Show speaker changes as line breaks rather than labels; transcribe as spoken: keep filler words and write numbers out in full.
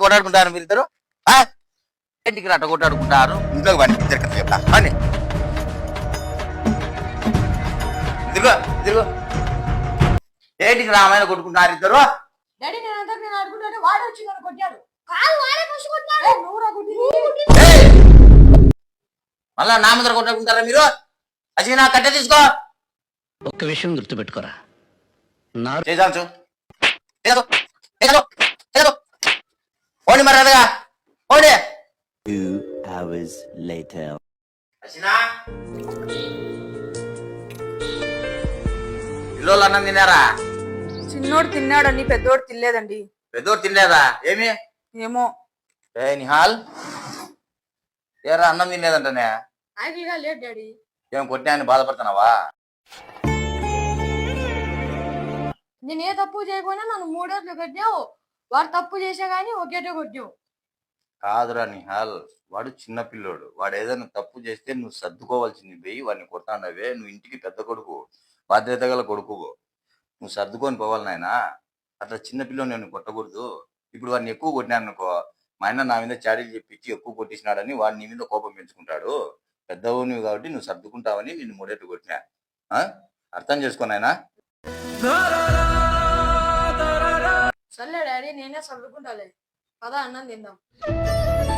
కొట్టాడుకుంటారు మీరు ఇద్దరు ఇంటికి అట్ట కొట్టాడుకుంటారు ఇంట్లోకి పండి ఇద్దరు చెప్తా అని ఇదిగో ఇదిగో ఏంటికి రామాయణ కొట్టుకుంటున్నారు ఇద్దరు
డాడీ నేను అందరికి నేను అనుకుంటే వాడు వచ్చి నన్ను కొట్టాడు కాదు వాడే ఫస్ట్ కొట్టాడు నువ్వు రా కొట్టింది
మళ్ళా నా ముందర కొట్టుకుంటారా మీరు అసలు నా కట్టె తీసుకో
ఒక్క విషయం గుర్తుపెట్టుకోరా
చేసాంచు ఓడి మరి అదగా ఓడి
Two hours later.
పిల్లలు అన్నం తిన్నారా
చిన్నోడు తిన్నాడండి పెద్దోడు తినలేదండి
పెద్దోడు తినలేదా ఏమి
ఏమో
ఏ నిహాల్ ఏరా అన్నం తినలేదంటనే
ఆకలిగా లేదు డాడీ
ఏం కొట్టినా బాధపడుతున్నావా
నేను ఏ తప్పు చేయకపోయినా నన్ను మూడోట్లు కొట్టావు వాడు తప్పు చేసా గానీ ఒకేటే కొట్టావు
కాదురా నిహాల్ వాడు చిన్న పిల్లోడు వాడు ఏదైనా తప్పు చేస్తే నువ్వు సర్దుకోవాల్సింది పోయి వాడిని కొడతాండవే నువ్వు ఇంటికి పెద్ద కొడుకు బాధ్యత గల కొడుకు నువ్వు సర్దుకొని పోవాలి నాయనా అట్లా చిన్న పిల్లోని నేను కొట్టకూడదు ఇప్పుడు వాడిని ఎక్కువ కొట్టినాను అనుకో మా ఆయన నా మీద చాడీలు చెప్పించి ఎక్కువ కొట్టించినాడని వాడు నీ మీద కోపం పెంచుకుంటాడు పెద్దవు నువ్వు కాబట్టి నువ్వు సర్దుకుంటావని నేను మూడేట్టు కొట్టినా అర్థం చేసుకోనాయనా
సర్లే డాడీ నేనే సర్దుకుంటాలే పదా అన్నం తిందాం